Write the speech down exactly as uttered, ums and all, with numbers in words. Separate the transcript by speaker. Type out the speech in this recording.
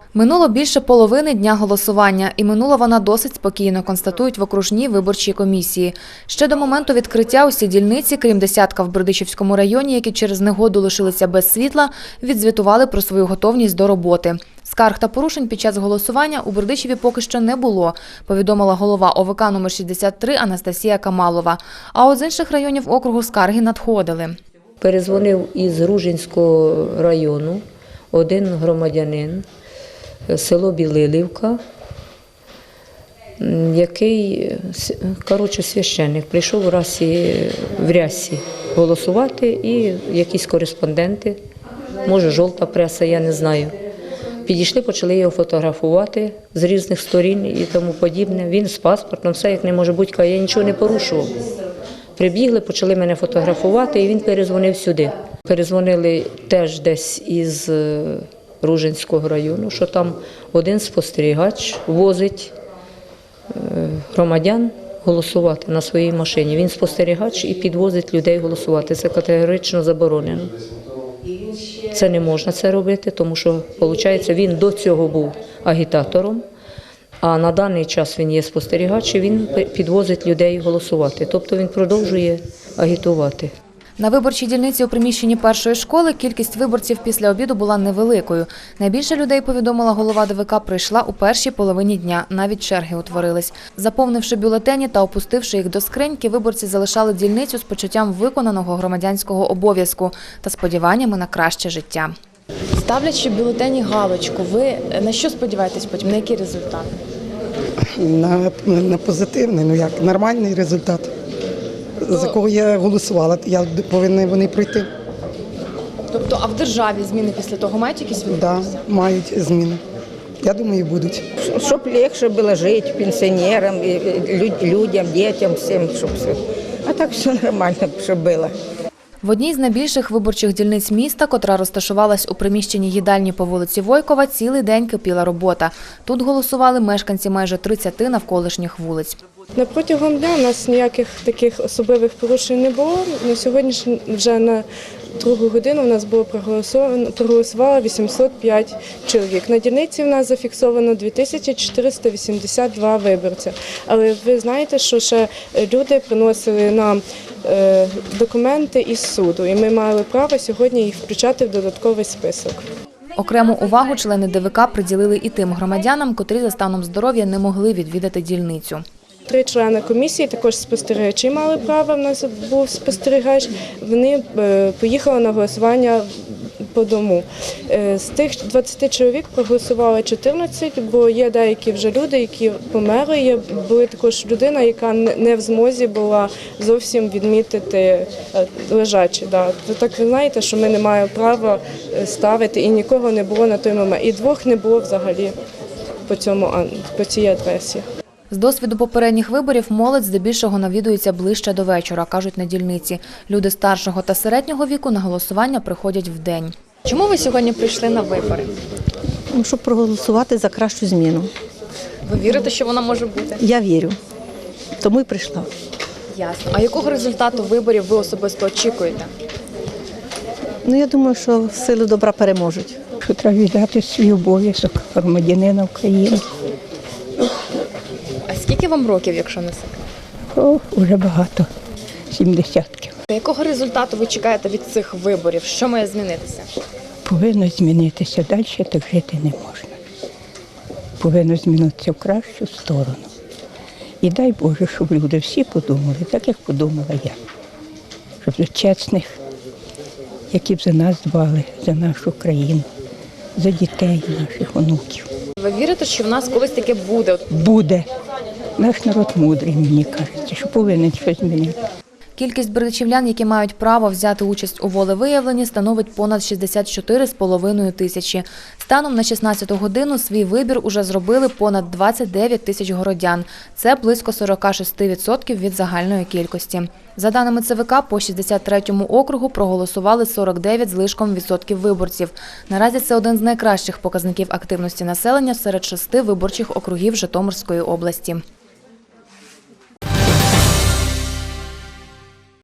Speaker 1: Минуло більше половини дня голосування, і минула вона досить спокійно, констатують в окружній виборчій комісії. Ще до моменту відкриття усі дільниці, крім десятка в Бердичівському районі, які через негоду лишилися без світла, відзвітували про свою готовність до роботи. Скарг та порушень під час голосування у Бердичеві поки що не було, повідомила голова О В К номер шістдесят три Анастасія Камалова. А от з інших районів округу скарги надходили.
Speaker 2: Перезвонив із Ружинського району один громадянин, село Білилівка, який, коротше, священник, прийшов у Расі, в Рясі голосувати, і якісь кореспонденти, може жовта преса, я не знаю, підійшли, почали його фотографувати з різних сторін і тому подібне. Він з паспортом, все як не може бути, я нічого не порушував. Прибігли, почали мене фотографувати, і він перезвонив сюди. Перезвонили теж десь із Ружинського району, що там один спостерігач возить громадян голосувати на своїй машині. Він спостерігач і підвозить людей голосувати. Це категорично заборонено. Це не можна це робити, тому що, виходить, він до цього був агітатором, а на даний час він є спостерігач і він підвозить людей голосувати. Тобто він продовжує агітувати.
Speaker 1: На виборчій дільниці у приміщенні першої школи кількість виборців після обіду була невеликою. Найбільше людей, повідомила голова Д В К, прийшла у першій половині дня. Навіть черги утворились. Заповнивши бюлетені та опустивши їх до скриньки, виборці залишали дільницю з почуттям виконаного громадянського обов'язку та сподіваннями на краще життя.
Speaker 3: Ставлячи в бюлетені галочку, ви на що сподіваєтесь потім? На який результат?
Speaker 4: На, на позитивний, ну як, нормальний результат. За кого я голосувала, я повинна вони пройти.
Speaker 3: Тобто, а в державі зміни після того мають якісь відбутися?
Speaker 4: Так, мають зміни. Я думаю, будуть.
Speaker 5: Щоб легше було жити пенсіонерам, людям, дітям, всім, щоб все. А так все нормально, щоб було.
Speaker 1: В одній з найбільших виборчих дільниць міста, котра розташувалась у приміщенні їдальні по вулиці Войкова, цілий день кипіла робота. Тут голосували мешканці майже тридцяти навколишніх вулиць.
Speaker 6: На протягом дня у нас ніяких таких особливих порушень не було. На сьогодні вже на другу годину у нас було проголосовано, проголосувало вісімсот п'ять чоловік. На дільниці в нас зафіксовано дві тисячі чотириста вісімдесят два виборця. Але ви знаєте, що ще люди приносили нам е, документи із суду, і ми мали право сьогодні їх включати в додатковий список.
Speaker 1: Окрему увагу члени Д В К приділили і тим громадянам, котрі за станом здоров'я не могли відвідати дільницю.
Speaker 6: Три члени комісії, також спостерігачі мали право, в нас був спостерігач, вони поїхали на голосування по дому. З тих двадцяти чоловік проголосували чотирнадцять, бо є деякі вже люди, які померли, є була також людина, яка не в змозі була зовсім відмітити лежачі. Да. Так ви знаєте, що ми не маємо права ставити, і нікого не було на той момент. І двох не було взагалі по, цьому, по цій адресі.
Speaker 1: З досвіду попередніх виборів молодь здебільшого навідується ближче до вечора, кажуть на дільниці. Люди старшого та середнього віку на голосування приходять вдень.
Speaker 3: Чому ви сьогодні прийшли на вибори?
Speaker 7: Ну, щоб проголосувати за кращу зміну.
Speaker 3: Ви вірите, що вона може бути?
Speaker 7: Я вірю, тому і прийшла.
Speaker 3: Ясно. А якого результату виборів ви особисто очікуєте?
Speaker 7: Ну, я думаю, що сили добра переможуть.
Speaker 5: Що треба віддати свій обов'язок громадянина України.
Speaker 3: А скільки вам років, якщо не секрет?
Speaker 5: О, вже багато, сім десятків.
Speaker 3: Якого результату ви чекаєте від цих виборів? Що має змінитися?
Speaker 5: Повинно змінитися, далі так жити не можна. Повинно змінитися в кращу сторону. І дай Боже, щоб люди всі подумали, так як подумала я. Щоб за чесних, які б за нас дбали, за нашу країну, за дітей наших, онуків.
Speaker 3: Ви вірите, що в нас колись таке буде?
Speaker 5: Буде. Наш народ мудрий, мені кажеться, що повинен щось змінити.
Speaker 1: Кількість бердичівлян, які мають право взяти участь у волевиявленні, становить понад шістдесят чотири з половиною тисячі. Станом на шістнадцяту годину свій вибір уже зробили понад двадцять дев'ять тисяч городян. Це близько сорок шість відсотків від загальної кількості. За даними Це Ве Ка, по шістдесят третьому округу проголосували сорок дев'ять з лишком відсотків виборців. Наразі це один з найкращих показників активності населення серед шести виборчих округів Житомирської області.